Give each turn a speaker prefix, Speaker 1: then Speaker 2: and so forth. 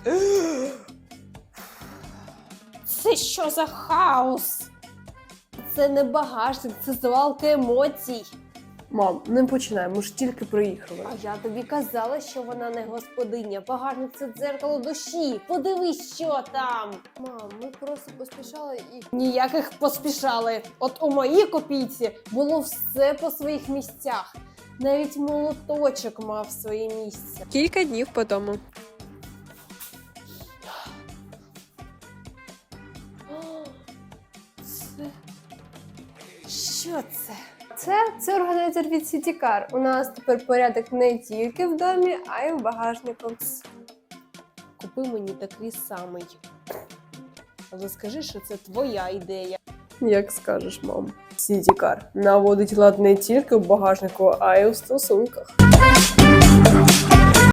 Speaker 1: Це що за хаос? Це не багажник, це звалка емоцій.
Speaker 2: Мам, не починай, ми ж тільки приїхали.
Speaker 1: А я тобі казала, що вона не господиня. Багажник – це дзеркало душі. Подивись, що там.
Speaker 2: Мам, ми просто поспішали і...
Speaker 1: Ніяких поспішали. От у моїй копійці було все по своїх місцях. Навіть молоточок мав своє місце.
Speaker 2: Кілька днів по тому.
Speaker 1: Що це?
Speaker 2: Це органайзер від Citycar. У нас тепер порядок не тільки в домі, а й в багажнику.
Speaker 1: Купи мені такий самий. Але скажи, що це твоя ідея.
Speaker 2: Як скажеш, мам. Citycar наводить лад не тільки в багажнику, а й у стосунках.